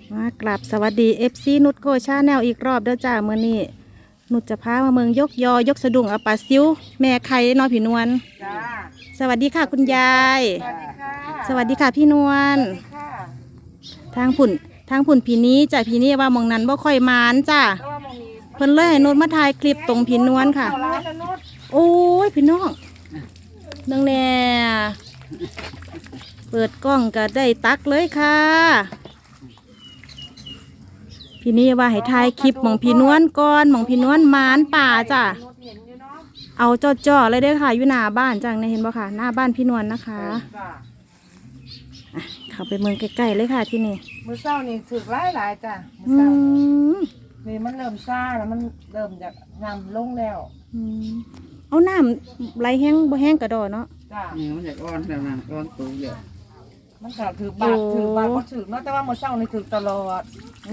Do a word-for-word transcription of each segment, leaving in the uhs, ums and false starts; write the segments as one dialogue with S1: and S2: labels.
S1: มากราบสวัสดีเอฟซีนุชโกชาแนลอีกรอบเด้อจ้าเมื่อนี้นุชจะพามาเมืองยกยอยกสะดุ้งเอาปลาซิวแม่ไข่น้อยผีนวล
S2: จ้า
S1: สวัสดีค่ะคุณยาย
S2: สวัสดีค่ะ
S1: สวัสดีค่ะพี่นวล
S2: สวัสดีค่ะ
S1: ทางผุ่นทางผุ่นผีนี้จ้ะผีนี้ว่ามองนั้นบ่ค่อยมานจ้า
S2: เพราะว่ามันมี
S1: เพิ่นเลยให้นุชมาถ่ายคลิปตรงผีนวลค่ะ
S2: เข้าร้านแล้วนุช
S1: โอ้ยพี่น้องนังแน่เปิดกล้องก็ได้ตักเลยค่ะพี่นี่ว่าให้ถ่ายคลิปหมองพี่นวลก่อนหมองพี่นวลมานป่าจ้ะ
S2: นุชเห็นอยู่เนาะ
S1: เอาจ่อๆเลยเด้อค่ะอยู่หน้าบ้านจังเนี่ยเห็นบ่ค่ะหน้าบ้านพี่นวลนะคะ
S2: จ้า
S1: อ่ะเข้าไปเมืองใกล้ๆเลยค่ะที่นี่
S2: มือเศร้านี่ถึกหลายหลายๆจ้ะมือ
S1: อื
S2: เศร้าม นี่มันเริ่มซ่าแล้วมันเริ่มจากนำลงแล้ว
S1: อืมเอาน้ำไหลแห้งบ่แห้งกระดอเนาะ
S2: จ้า
S3: นี่มันอยากอ้อนแล้วนะอ้อนตูเยอะ
S2: มันก็ถือบาท
S1: โอ้
S2: ถือบาทก็ถือเนาะแต่ว่ามือเศร้านี่ถือตลอด
S1: โอ้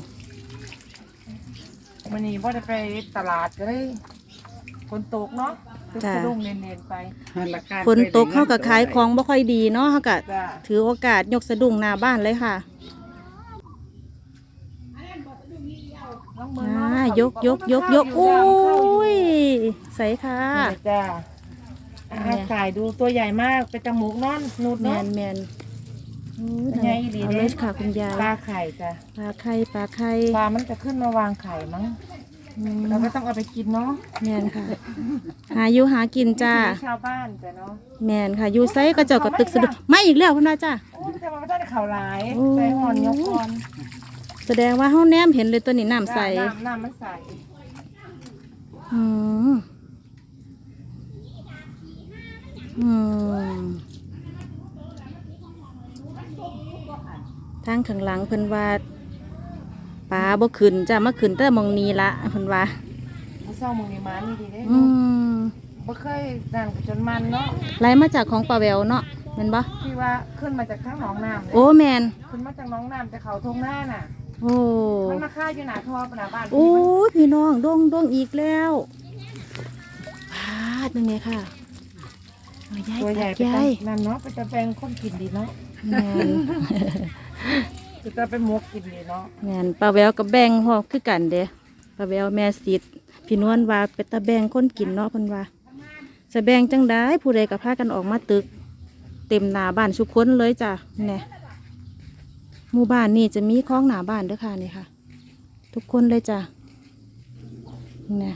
S2: มันนี่พอได้ไปตลาดก็ได้ฝนตกเนาะตึกสะดุ้งเน้นๆไป
S3: ราคา
S1: ฝนตกเข้ากับขายของบ่ค่อยดีเนาะเขาก็
S2: จ้า
S1: ถือโอกาสยกสะดุ้งหน้าบ้านเลยค่ะ
S2: น้องมือ
S1: อ่า
S2: เนาะ
S1: ยกยกยกยกโอ้ยใส่ค่ะ
S2: นี่จ้าอ่าถ่ายดูตัวใหญ่มากเป็นจมูกนอนนูด
S1: แม
S2: เนาะ
S1: นแมนโอ้ย
S2: เป็นไงอีหลี
S1: เอา
S2: เด้
S1: เลยค่ะคุณยาย
S2: ปลาไข่จ้ะ
S1: ปลาไข่ปลาไข่
S2: ปลามันจะขึ้นมาวางไข่มั้ง
S1: อืม
S2: เราก็ต้องเอาไปกินเนาะ
S1: แมนค่ะ หาอยู่หากินจ้า
S2: วิถีชาวบ้านจ้ะเนาะ
S1: แมนค่ะอยู่ไซก็เจ้ากับตึกสะดุดไม่อีกแล้วคุณนาจ้า
S2: โอ้ยแต่มันไม่ได้ข่าวร้าย
S1: โอ้
S2: ใส่หอนยกหอน
S1: แสดงว่าเฮาแนมเห็นเลยตัวนี้น้ำใส
S2: น้ำน้ำมันใส
S1: อืมอืมทางข้างหลังเพิ่นว่าปลาบ่ขึ้นจ้ามาขึ้นแต่หมองนี้ละเพิ่นว่า
S2: มันเศร้ามึงนี่มันนี่ดีเด้
S1: อืม
S2: บ่เคยนั่นกับจนมันเนาะ
S1: ไหลมาจากของปลาแววเนาะแม่นบ่
S2: ที่ว่าขึ้นมาจากข้างหนองน้ำเลย
S1: โอ้แมน
S2: ขึ้นมาจากหน้องน้ำจากเขาทงหน้าน่ะ
S1: โอ้
S2: มันมาฆ่าอยู่หน้าท่อปนาบ้าน
S1: โอ้ยพี่น้องดงดงอีกแล้วพาดนึงเลยค่ะเอายาย
S2: ตัวใหญ่
S1: ตัก
S2: ไป
S1: ยาย
S2: นั่นเนาะไปจะแปลงคนกินดีเนาะ
S1: แมน
S2: คือจะไปหมกกินดีเนาะ
S1: แมนปลาแววกับแบงพ่อคือกันเด้ปลาแววแม่สิทธิ์พี่นวลว่าเป็นตาแบงคนกินเนาะเพิ่นว่าจะแบงจังได้ผู้ใดก็พากันออกมาตึก เต็มหน้าบ้านทุกคนเลยจ้ะเนี่ยหมู่บ้านนี่จะมีคลองหน้าบ้านเด้อค่ะนี่ค่ะ ทุกคนเลยจ้ะเนี่ย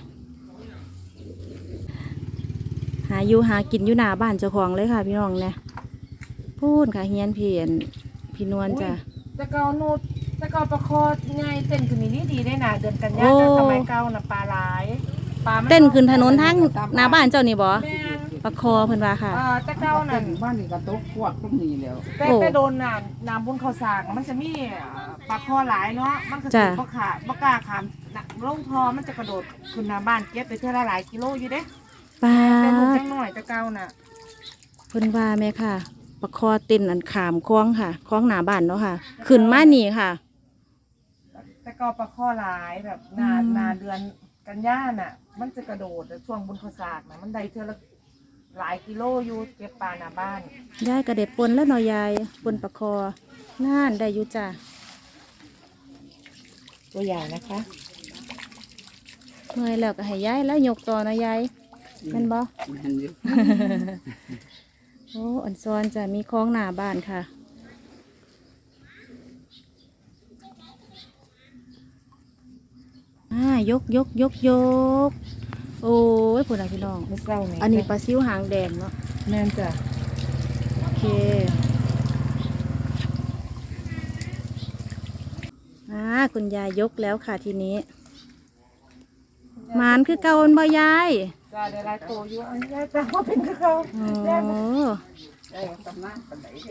S1: หาอยู่หากินอยู่หน้าบ้านเจ้าของเลยค่ะ พี่น้องเนี่ยพูดค่ะเฮียนเพียนพี่นวลจ้ะ
S2: จะเกานูดจะเกาประคอไงเต้นขึ้นนี่นี่ดีได้น่ะเดือนกันยา
S1: โอ้
S2: แต่สมัยเก่าน่ะปลาหลายปลามั
S1: เต้นขึ้นถนนทางหน้าบ้านเจ้านี่บ่
S2: แม่น
S1: ประคอเพิ่นว่าค่ะ
S2: เอ่อจะเกา
S3: เต้
S2: นั่น
S3: นบ้านนี่กระตุกพวกพวกนี้แล้ว
S2: แต่
S1: โอ้
S2: แต่โดนน่ะน้ำบนข้าวสากมันจะมีปลาคอหลายเนาะมันก็
S1: จ้ะ
S2: สิบ่ขาบ่กล้าขามน่ะลงทอมันจะกระโดดขึ้นหน้าบ้านเก็บไปเท่าละหลายกิโลอยู่เด้
S1: ปลา
S2: แต่ลูกจังน้อยจะเกาน่ะ
S1: เพิ่นว่าแม่ค่ะประคอเต้นอันขามคลองค่ะคลองหน้าบ้านเนาะค่ะ ขึ้นมานี่ค่ะ
S2: จะเกาปลาคอหลายแบบนา
S1: อืม
S2: นาเดือนกันยาน่ะ มันจะกระโดดช่วงบนข้าวสากน่ะมันได้เท่าละหลายกิโลอยู่เก็บปลาหน้าบ้าน
S1: ยายกระเด็บปนแล้วเนาะยายปนประคอน่านได้อยู่จ้ะ
S2: ตัวใหญ่นะคะ
S1: เมื่อยแล้วก็ให้ยายแล้วยกต่อเนาะยายแม่นบ่
S3: มันอยู่
S1: โอ้อันซอนจะมีคลองหน้าบ้านค่ะอ่ายกยกยกยกโอ้ยพูดอะไรพี่น้อง
S2: ไม่เศร้าเนี่ย
S1: อันนี้ปลาซิวหางแดงเนาะ
S2: แม่นจ้ะ
S1: โอเคอ่าคุณยายยกแล้วค่ะทีนี้หมานคือเก่าอันบ่ยาย
S2: จ้ะได้หลายตัวอยู่อันนี้จ้ะว่าเป็นคือเขา
S1: โอ้
S3: ได้ตำนานปันไหนเด้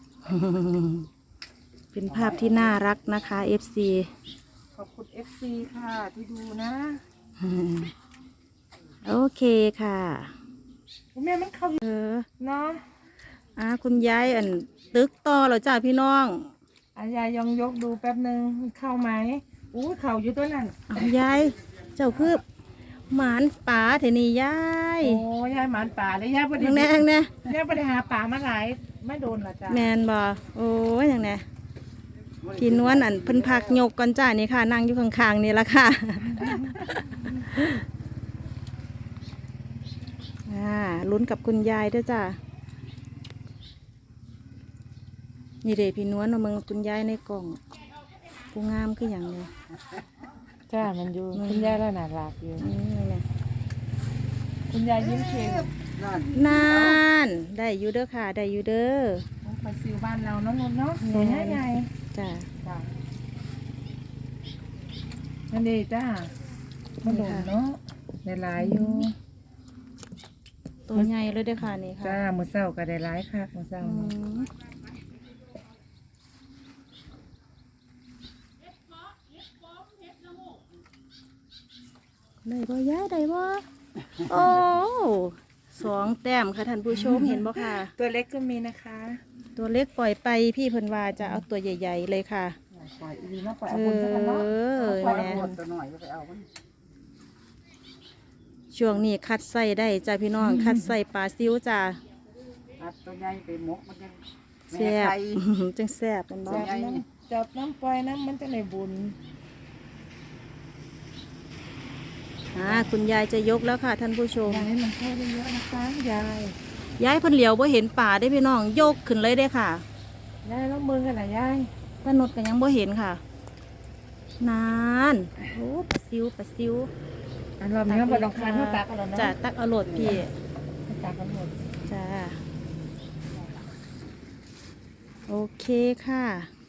S1: เป็นภาพที่น่ารักนะคะ เอฟ ซี
S2: ขอบคุณ เอฟ ซี ค่ะที่ดูนะ
S1: โอเคค่ะ
S2: แม่มันเข้า
S1: เออ
S2: เนาะ
S1: อ่าคุณยายอันตึกต่อแล้วจ้าพี่น้อง
S2: อายายองยกดูแป๊บหนึ่งมันเข้าไหมอู้เข่าอยู่ตัวนั้น
S1: เอายายเจ้าคือหมานป่าเทนี่ยาย
S2: โอ้ยายหมานป่าเลยยายประ
S1: ยั
S2: เดี๋ย
S1: ง
S2: ว
S1: แน่ยังแน่
S2: ยายประเดี๋ยวหาป่ามาหลายไม่โดนละจ้ะ
S1: แมนบ่โอ้ยยังแน่พี่นวลอันเพิ่นพักยกก่อนจ้านี่ค่ะนั่งอยู่ข้างๆนี่ละค่ะ อ่าลุ้นกับคุณยายด้วยจ้านี่เด้พี่นวลเอามึงคุณยายในกล่องผู้งามคืออย่างนี้
S2: จ้ามันอยู่คุณยายแล้วน่ารักอยู่
S1: นี่นี่แหละ
S2: คุณยายยิ้มเค้ก
S3: นั่น
S1: นานได้อยู่เด้อค่ะได้อยู่เด้อ
S2: ปลาซิวบ้านเราเนาะนุ่นเนาะตัวใหญ่ใหญ่
S1: จ้า
S2: จ้านั่นดีจ้ามาโดนเนาะได้หลายอยู่
S1: ตัวใหญ่เลยเด้อค่ะนี่ค่ะ
S2: จ้ามื้อเช้าก็ได้หลายคักมื้อเช้า
S1: อื
S2: เนาะ
S1: มได้บ่ย้ายได้บ่โอ้สองแต้มค่ะท่านผู้ชมเห็นบ่ค่ะ
S2: ตัวเล็กก็มีนะคะ
S1: ตัวเล็กปล่อยไปพี่เพิ่นว่าจะเอาตัวใหญ่ๆเลยค่ะ
S3: ปล่อยอีนี่มาปล่อย
S1: เอ
S3: เอาคนสักกันเนาะ
S1: อ
S3: ปล่อย
S1: แหน่
S3: เอาคนตัวหน่อยก็ไปเอามัน
S1: ช่วงนี้คัดไส้ได้จ้าพี่น้อง คัดไส้ปลาซิวจ้า
S3: อัดตัวใหญ่ไปหมกมันยัง
S1: แซ่บ
S3: ไข่
S1: จังแซ่บเป็นบ่
S3: ตัว
S2: จับ
S3: ใหญ่
S2: น้ำจับน้ำปล่อยน้ำมันจะในบุญ
S1: อ่าคุณยายจะยกแล้วค่ะท่านผู้ชม
S2: ยายมันเข้าได้เยอะนะคะยาย
S1: ยายเพิ่นเหลียวบ่เห็นป่าได้พี่น้องยกขึ้นเลยได้ค่ะ
S2: ยายแล้วมือกันนะยาย
S1: ตานดก็ยังบ่เห็นค่ะ นานโอ้ปลาซิวปลาซิว
S2: อันรอบนี้บนรองคาเท่าตากันแล้วเนาะ
S1: จ้าตักเอาโหลดพี่
S2: ตากันหมด
S1: จ้าโอเคค่ะ